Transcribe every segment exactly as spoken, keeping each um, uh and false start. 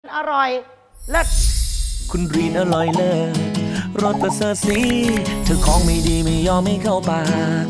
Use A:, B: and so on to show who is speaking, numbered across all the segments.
A: อร่อยเลิศ
B: คุณรีนอร่อยเลิศรสประเสริฐสีเธอของไม่ดีไม่ยอมไม่เข้าปาก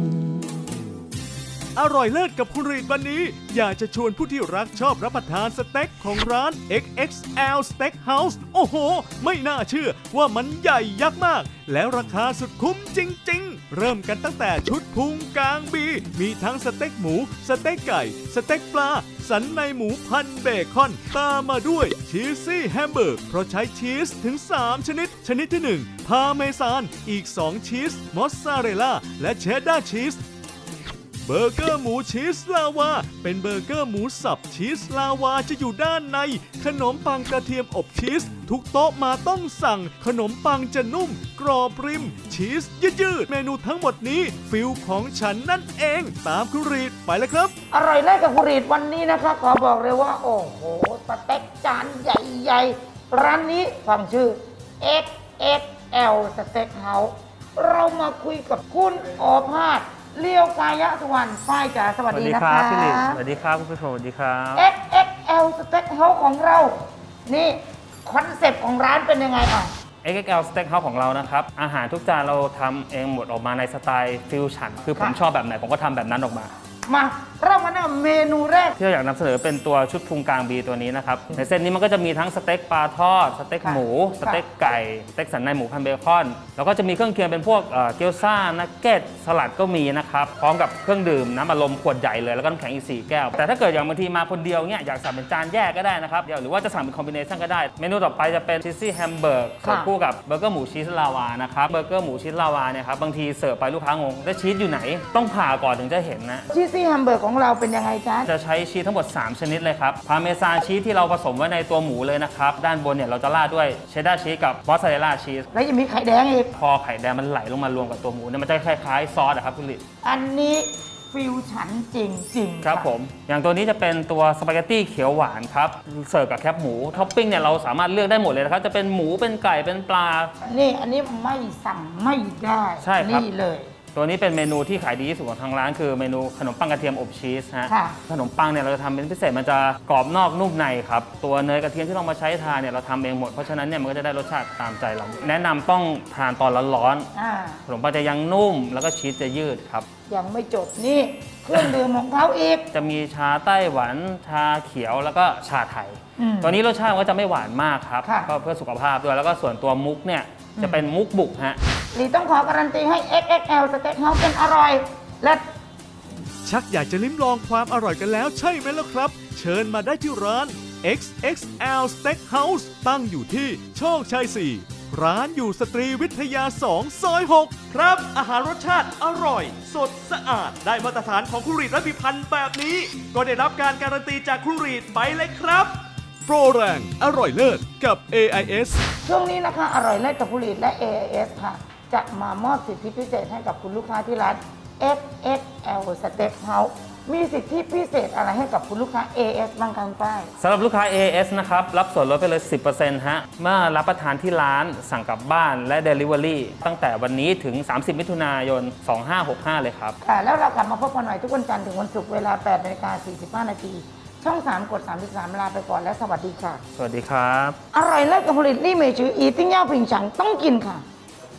C: อร่อยเลิศกับคุณรีดวันนี้อยากจะชวนผู้ที่รักชอบรับประทานสเต็กของร้าน เอ็กซ์ เอ็กซ์ แอล Steakhouse โอ้โหไม่น่าเชื่อว่ามันใหญ่ยักษ์มากแล้วราคาสุดคุ้มจริงๆเริ่มกันตั้งแต่ชุดพุงกลางบีมีทั้งสเต็กหมูสเต็กไก่สเต็กปลาสันในหมูพันเบคอนตามมาด้วยชีสซี่แฮมเบอร์กเพราะใช้ชีสถึงสามชนิดชนิดที่หนึ่งพาเมซานอีกสองชีสมอสซาเรลล่าและเชดดาร์ชีสเบอร์เกอร์หมูชีสลาวาเป็นเบอร์เกอร์หมูสับชีสลาวาจะอยู่ด้านในขนมปังกระเทียมอบชีสทุกโต๊ะมาต้องสั่งขนมปังจะนุ่มกรอบริมชีสยืดๆเมนูทั้งหมดนี้ฟิลของฉันนั่นเองตามคุณรีดไปเลยครับ
A: อร่อยเลิศกับคุณรีดวันนี้นะคะขอบอกเลยว่าโอ้โหสเต็กจานใหญ่ๆร้านนี้ฟังชื่อ เอ็กซ์ เอ็กซ์ แอล Steakhouse เรามาคุยกับคุณโอภาสเลี้ยวกายะสุวรรณฝ้ายจ๋าสวัสดีนะคะ
D: สวัสดีครับพี่ลิสวัสดีครับคุณผู้ชมสวัสดีครับ
A: เอ็กซ์ เอ็กซ์ แอล Steakhouse ของเรานี่คอนเซ็ปต์ของร้านเป็นยังไงอ่ะ
D: เอ็กซ์ เอ็กซ์ แอล Steakhouse ของเรานะครับอาหารทุกจานเราทำเองหมดออกมาในสไตล์ฟิวชั่นคือผมชอบแบบไหนผมก็ทำแบบนั้นออกมา
A: มาเริ่มกันที่เมนูแรก
D: ที่เราอยากนำเสนอเป็นตัวชุดพุงกลางบีตัวนี้นะครับในเส้นนี้มันก็จะมีทั้งสเต็กปลาทอดสเต็กหมูสเต็กไก่สเต็กสันในหมูพันเบคอนแล้วก็จะมีเครื่องเคียงเป็นพวกเกี๊ยวซ่านักเก็ตสลัดก็มีนะครับพร้อมกับเครื่องดื่มน้ำอัดลมขวดใหญ่เลยแล้วก็น้ำแข็งอีกสี่แก้วแต่ถ้าเกิดอย่างบางทีมาคนเดียวเนี่ยอยากสั่งเป็นจานแยกก็ได้นะครับหรือว่าจะสั่งเป็นคอมบิเนชั่นก็ได้เมนูต่อไปจะเป็นชีสซี่แฮมเบอร์กเสิร์ฟคู่กับเบอร์เกอร์หมูชีสลาวานะครับเบอร์เกอร์หมูชีสลาวาเนี่ยครับบางทีเสิร์ฟไปลูกค้างงแล้วชีสอยู่ไหนต้องผ่าก่อนถึงจะเห็นนะ
A: ชีสซี่แฮมเบอร์กของเราเป็นยังไงจ๊ะ
D: จะใช้ชีสทั้งหมดสามชนิดเลยครับพาเมซานชีสที่เราผสมไว้ในตัวหมูเลยนะครับด้านบนเนี่ยเราจะราดด้วยเชดดาร์ชีสกับมอสซาเรลล่าชีส
A: แล้วยังมีไข่แดงอีก
D: พอไข่แดงมันไหลลงมารวมกับตัวหมูเนี่ยมันจะคล้ายๆซอสอะครับคุณลิ
A: อันนี้ฟิวชั่นจริงๆ
D: ครับผมอย่างตัวนี้จะเป็นตัวสปาเกตตี้เขียวหวานครับเสิร์ฟกับแคบหมูท็อปปิ้งเนี่ยเราสามารถเลือกได้หมดเลยนะครับจะเป็นหมูเป็นไก่เป็นปลา
A: นี่อันนี้ไม่สั่งไม่ได้
D: ใช่ครับ
A: นี่เลย
D: ตัวนี้เป็นเมนูที่ขายดีที่สุดของทางร้านคือเมนูขนมปังกระเทียมอบชีสฮะขนมปังเนี่ยเราจะทำเป็นพิเศษมันจะกรอบนอกนุ่มในครับตัวเนยกระเทียมที่เรามาใช้ทานเนี่ยเราทำเองหมดเพราะฉะนั้นเนี่ยมันก็จะได้รสชาติตามใจเราแนะนำต้องทานตอนร้อนๆขนมปังจะยังนุ่มแล้วก็ชีสจะยืดครับ
A: ยังไม่จบนี่เครื่องดื่มของเขาอีก
D: จะมีชาไต้หวันชาเขียวแล้วก็ชาไทยตัวนี้รสชาติก็จะไม่หวานมากครับก็เพื่อสุขภาพด้วยแล้วก็ส่วนตัวมุกเนี่ยจะเป็นมุกบุกฮะ
A: ลีต้องขอการันตีให้ เอ็กซ์ เอ็กซ์ แอล Steakhouse เป็นอร่อยและ
C: ชักอยากจะลิ้มลองความอร่อยกันแล้วใช่ไหมล่ะครับเชิญมาได้ที่ร้าน เอ็กซ์ เอ็กซ์ แอล Steakhouse ตั้งอยู่ที่โชคชัยสี่ร้านอยู่สตรีวิทยาสองซอยหกครับอาหารรสชาติอร่อยสดสะอาดได้มาตรฐานของคุณรีดและพิพันธ์แบบนี้ก็ได้รับการการันตีจากคุณรีดไปเลยครับโปรแรงอร่อยเลิศกับ เอ ไอ เอส
A: ช่วงนี้นะคะอร่อยเลิศกับคุณรีดและ เอ ไอ เอส ค่ะจะมามอบสิทธิพิเศษให้กับคุณลูกค้าที่ร้าน เอ็กซ์ เอ็กซ์ แอล Steakhouse มีสิทธิพิเศษอะไรให้กับคุณลูกค้า เอ เอส บ้างครับป้าย
D: สำหรับลูกค้า เอ เอส นะครับรับส่วนลดไปเลย สิบเปอร์เซ็นต์ ฮะเมื่อรับประทานที่ร้านสั่งกลับบ้านและ Delivery ตั้งแต่วันนี้ถึงสามสิบมิถุนายนสองห้าหกห้าเลยครับ
A: ค่ะแล้วเรากลับมาพบกันใหม่ทุกวันจันทร์ถึงวันศุกร์เวลา แปดนาฬิกาสี่สิบห้านาทีช่องสามกดสามสิบสามลาไปก่อนและสวัสดีค่ะ
D: สวัสดีครับ
A: อร่อยเลิศกับผลิตลี่เมจืออีติ้งเย่าผิงฉังต้องกินค่ะ